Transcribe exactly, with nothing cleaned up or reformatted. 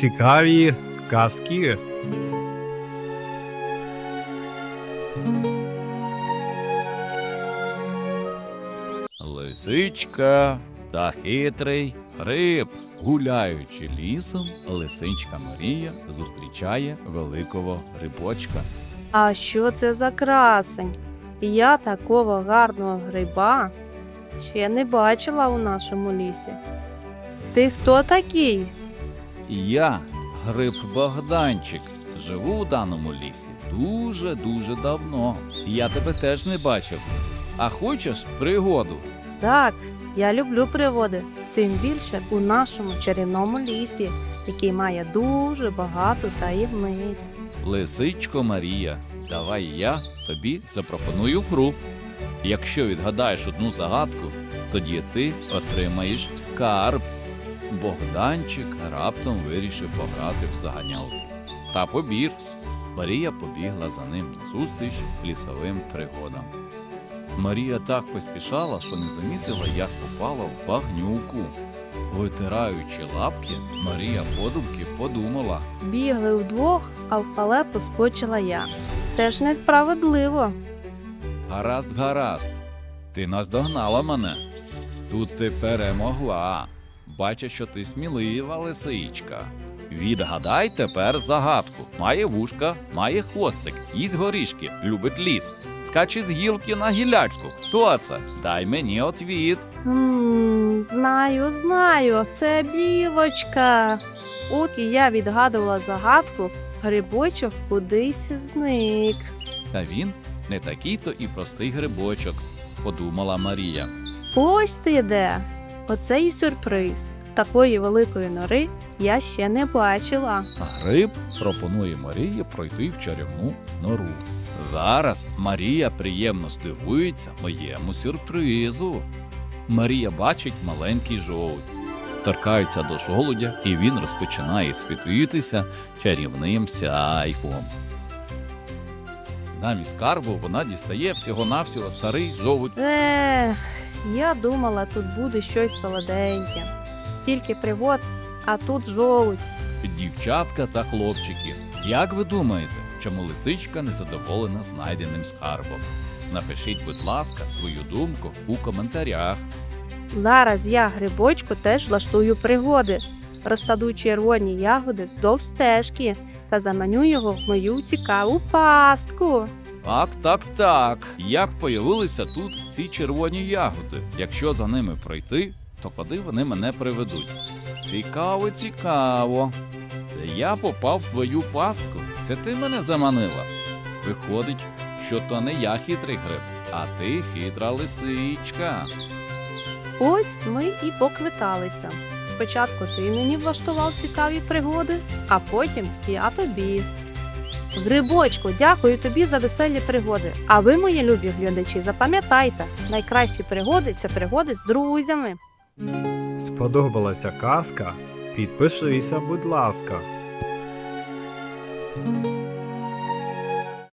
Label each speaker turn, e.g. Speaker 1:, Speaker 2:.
Speaker 1: цікаві казки.
Speaker 2: Лисичка та хитрий гриб. Гуляючи лісом, лисичка Марія зустрічає великого грибочка.
Speaker 3: А що це за красень? Я такого гарного гриба ще не бачила у нашому лісі. Ти хто такий?
Speaker 2: Я, гриб Богданчик, живу у даному лісі дуже-дуже давно. Я тебе теж не бачив. А хочеш пригоду?
Speaker 3: Так, я люблю пригоди, тим більше у нашому чарівному лісі, який має дуже багато таємниць.
Speaker 2: Лисичко Марія, давай я тобі запропоную гру. Якщо відгадаєш одну загадку, тоді ти отримаєш скарб. Богданчик раптом вирішив пограти в здоганялку. Та побігс. Марія побігла за ним назустріч лісовим пригодам. Марія так поспішала, що не замітила, як попала в багнюку. Витираючи лапки, Марія подумки подумала.
Speaker 3: Бігли вдвох, а в халепу скочила я. Це ж несправедливо.
Speaker 2: Гаразд, гаразд, ти наздогнала мене. Тут ти перемогла. Бачу, що ти смілива лисичка. Відгадай тепер загадку. Має вушка, має хвостик, їсть горішки, любить ліс. Скаче з гілки на гілячку. Хто це? Дай мені отвіт.
Speaker 3: М, знаю, знаю, це білочка. Поки я відгадувала загадку, грибочок кудись зник.
Speaker 2: Та він не такий-то і простий грибочок, подумала Марія.
Speaker 3: Ось ти де. Оце і сюрприз. Такої великої нори я ще не бачила.
Speaker 2: Гриб пропонує Марії пройти в чарівну нору. Зараз Марія приємно здивується моєму сюрпризу. Марія бачить маленький жолудь. Торкається до жолудя, і він розпочинає світитися чарівним сяйком. Замість скарбу вона дістає всього-навсього старий жолудь.
Speaker 3: Ех, я думала, тут буде щось солоденьке. Стільки пригод, а тут жолудь.
Speaker 2: Дівчатка та хлопчики, як ви думаєте, чому лисичка незадоволена знайденим скарбом? Напишіть, будь ласка, свою думку у коментарях.
Speaker 3: Зараз я грибочку теж влаштую пригоди. Розкладу червоні ягоди вздовж стежки та заманю його в мою цікаву пастку.
Speaker 2: Так, так, так. Як появилися тут ці червоні ягоди? Якщо за ними пройти, то куди вони мене приведуть? Цікаво, цікаво. Я попав в твою пастку. Це ти мене заманила? Виходить, що то не я хитрий гриб, а ти хитра лисичка.
Speaker 3: Ось ми і поквиталися. Спочатку ти мені влаштував цікаві пригоди, а потім я тобі. Грибочку, дякую тобі за веселі пригоди. А ви, мої любі глядачі, запам'ятайте, найкращі пригоди – це пригоди з друзями.
Speaker 1: Сподобалася казка? Підпишися, будь ласка.